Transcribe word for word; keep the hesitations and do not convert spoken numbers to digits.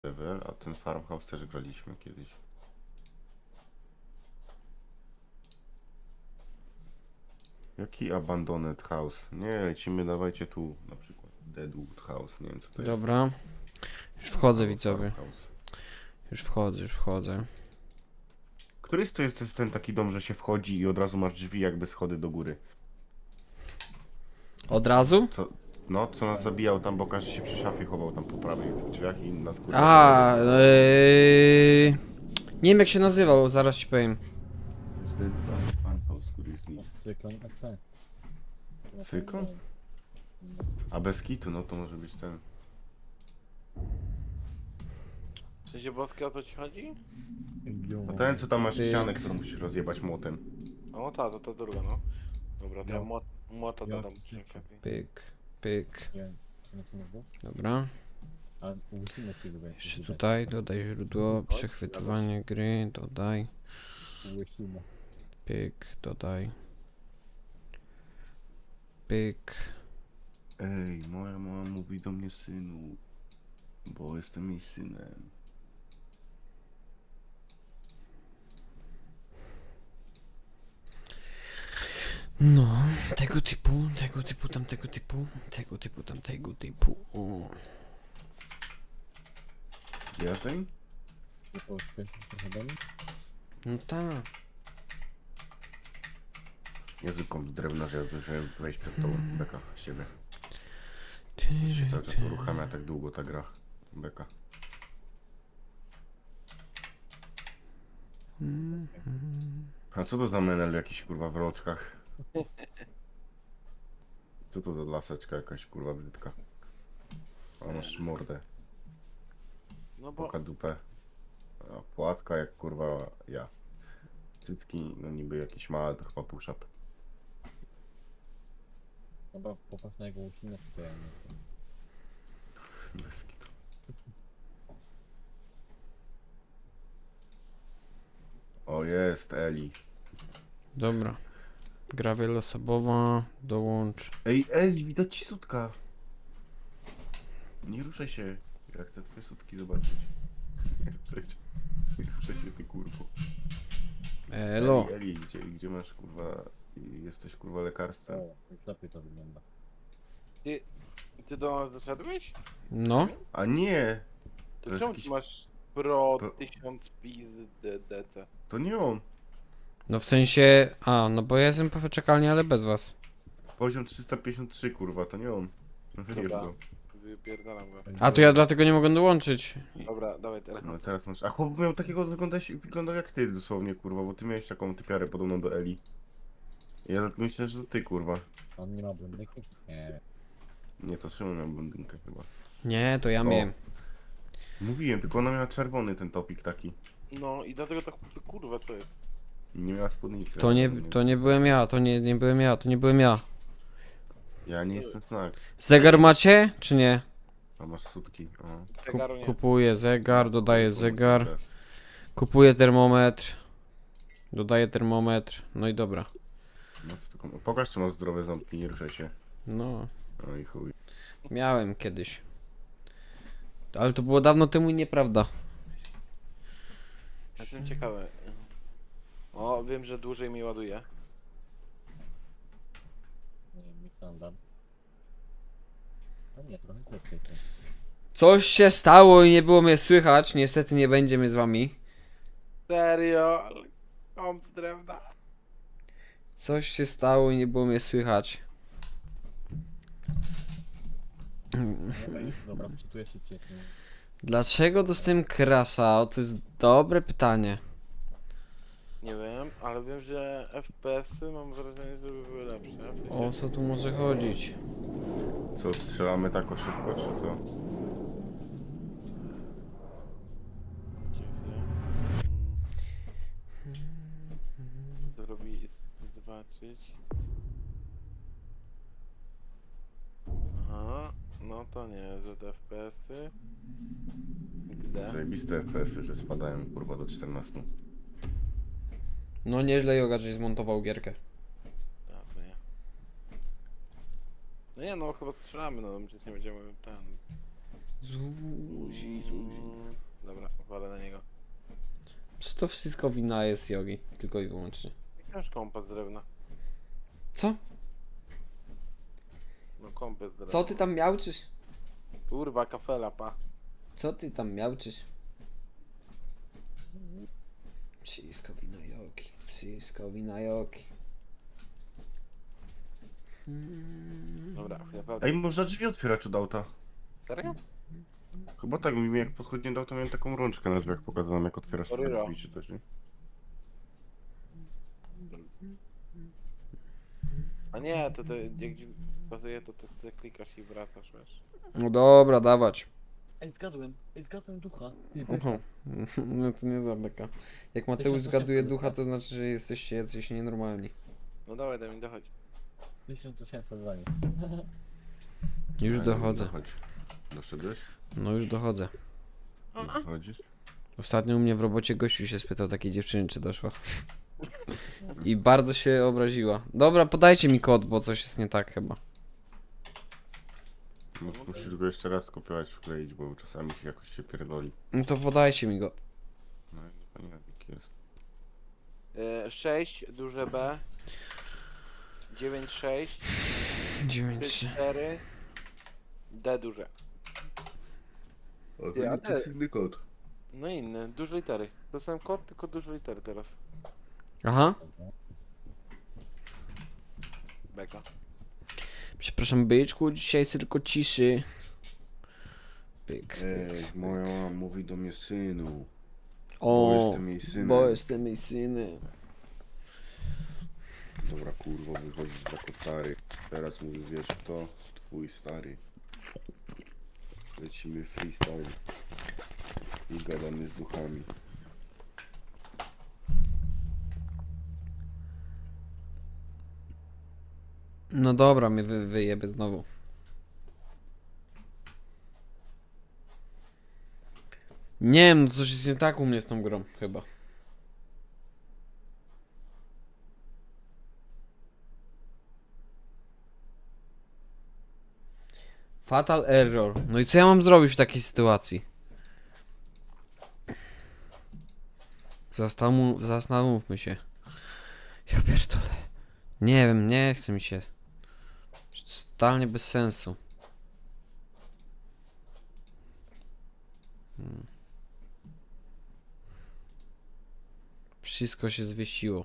level, a ten farmhouse też graliśmy kiedyś. Jaki abandoned house? Nie, lecimy, dawajcie tu na przykład Deadwood House, nie wiem co to jest. Dobra. Już wchodzę, Albo widzowie. farmhouse. Już wchodzę, już wchodzę. Który to jest, to jest ten taki dom, że się wchodzi i od razu masz drzwi jakby schody do góry? Od razu? Co, no, co nas zabijał tam, bo każdy się przy szafie chował tam po prawej w drzwiach i nas kurwa A, zabijał. yy... Nie wiem jak się nazywał, zaraz ci powiem. To jest ten farmhouse, który jest nim. Cyklon S T. Cyklon? A bez kitu, no to może być ten. W sensie boskie, o co ci chodzi? No ten, co tam masz Pyk. ścianę, którą musisz rozjebać młotem. O ta, to ta druga, no. Dobra, to ja Jo. młot, młota Jo, dodam. cyklon. Czekaj. Pyk, pyk. Nie, co na co mówię? Dobra. A ułóżmy się go Jeszcze tutaj, dodaj źródło, przechwytywanie gry, dodaj. Ułóżmy. Pyk, dodaj. Pyk. Ej, moja mama mówi do mnie synu, bo jestem jej synem. No, tego typu, tego typu, tamtego typu, tego typu, tamtego typu. O. Ja ten? Nie poświęcić trochę do mnie? No tak. Jezu, komp z drewna, że ja zdążyłem wejść przed tobą. Beka, z siebie. Ty, Się cały czas uruchamia tak długo ta gra. Beka. A co to za menel jakiś kurwa w roczkach? Co to za laseczka jakaś kurwa brzydka? A masz mordę, No bo poka dupę. A płatka jak kurwa ja. Cycki, no niby jakieś małe, to chyba push-up. Dobra, popatrz na jego łucinę, to ja nie wiem. Bez kitu. O jest, Eli. Dobra. Gra wieloosobowa, dołącz. Ej, Eli, widać ci sutka. Nie ruszaj się. Ja chcę twoje sutki zobaczyć. Nie ruszaj się. Nie ruszaj się, ty kurwo. Elo. Eli, Eli gdzie, gdzie masz kurwa... Jesteś kurwa lekarstwem. O, już lepiej to wygląda. ty, ty do nas doszedłeś? No. A nie! To, To jest czemu jakiś- ty masz Pro Pro- tysiąc D C? To nie on. No w sensie... A, no bo ja jestem po wyczekalni, ale bez was. Poziom trzysta pięćdziesiąt trzy kurwa, to nie on. No wybierz Dobra. go. Wypierdalam go. A to ja dlatego nie mogę dołączyć. Dobra, dawaj teraz. No teraz masz... A chłop miał takiego, wyglądać, wyglądał jak ty dosłownie kurwa, bo ty miałeś taką typiarę podobną do Eli. Ja dlatego myślałem, że to ty kurwa. On nie ma blondyki? Nie. Nie, to Szymon miał blondynkę chyba. Nie, to ja O. miałem. Mówiłem, tylko ona miała czerwony ten topik taki. No i dlatego tak kurwa co jest. I nie miała spódnicy. To nie, to nie byłem ja, to nie, nie byłem ja, to nie byłem ja. Ja nie jestem Snack. Zegar macie, czy nie? A masz sutki. O. Zegaru Kup, nie. kupuję zegar, dodaję Kurwa, zegar, super. kupuję termometr, dodaję termometr, no i dobra. No, to tylko... Pokaż, czy masz zdrowe ząbki, nie ruszaj się. No, No i chuj. miałem kiedyś. Ale to było dawno temu i nieprawda. Jestem ciekawy. O, wiem, że dłużej mi ładuje. Nie wiem, mi standard. A nie, trochę krótkiej to. Coś się stało i nie było mnie słychać, niestety nie będzie mnie z wami. Serio? Ale komp z drewna. Coś się stało i nie było mnie słychać. Dobra, dobra, wczytuję szybciej. nie? Dlaczego dostałem crasha? O, to jest dobre pytanie. Nie wiem, ale wiem, że F P S-y mam wrażenie, że by były lepsze. W sensie- O co tu może chodzić? Co, strzelamy tak o szybko, czy to? Zrobi zobaczyć. Aha, no to nie, że te F P S-y. Gdzie? Zajebiste F P S-y, że spadają kurwa do czternastu. No nieźle Joga, żeś zmontował gierkę. Tak, to nie. No nie, no chyba strzelamy, no przecież nie będziemy ten... Zuzi, Zuzi. Mm, Dobra, walę na niego. Czy to wszystko wina jest Jogi? Tylko i wyłącznie. Masz kompas z drewna. Co? No kompas z drewna. Co ty tam miałczysz? Kurwa, kafela, pa. Co ty tam miałczysz? Wszystko wina Jogi. Wszystko wina Jogi. Mm. Dobra, ja walę. Ej, można drzwi otwierać od auta. Serio? Chyba tak, mi jak podchodziłem do auta, miałem taką rączkę na drzwiach pokazaną, jak otwierasz te Oryro. drzwi czy coś, nie? A nie, to, to jak ci pasuje, to, to ty klikasz i wracasz, wiesz. No dobra, dawać. Ej, zgadłem. Ej, zgadłem ducha. Oho. No to nie beka. Jak Mateusz tysiąc zgaduje osiemset ducha, tak. to znaczy, że jesteście jacyś nienormalni. No dawaj, daj mi dochodź. tysiąc osiemset za nim. Już Ej, dochodzę. Chodź. Doszedłeś? No już dochodzę. Chodzisz? Ostatnio u mnie w robocie gościu się spytał takiej dziewczyny, czy doszła. I bardzo się obraziła. Dobra, podajcie mi kod, bo coś jest nie tak chyba. No, musisz go jeszcze raz kopiować, wkleić, bo czasami się jakoś się pierdoli. No to podajcie mi go. No i to nie wiem, jaki jest. E, sześć, duże B. dziewięć, sześć. dziewięć. trzy, cztery. D duże. O, Ty, a to jest te- inny kod. No inny, duże litery. To sam kod, tylko duże litery teraz. Aha. Beka. Przepraszam, byczku, dzisiaj jest tylko ciszy. Pyk. Ej, moja mama mówi do mnie synu. O, bo jestem jej synem. bo jestem jej synem. Dobra, kurwa, wychodzi z kotary. Teraz mówi, wiesz kto? Twój stary. Lecimy freestyle. I gadamy z duchami. No dobra, mnie wy, wyjebie znowu. Nie wiem, no coś jest nie tak u mnie z tą grą, chyba. Fatal error. No i co ja mam zrobić w takiej sytuacji? Zastanów, zastanówmy się. Ja pierdolę. Nie wiem, nie chce mi się. Totalnie bez sensu. Hmm. Wszystko się zwiesiło.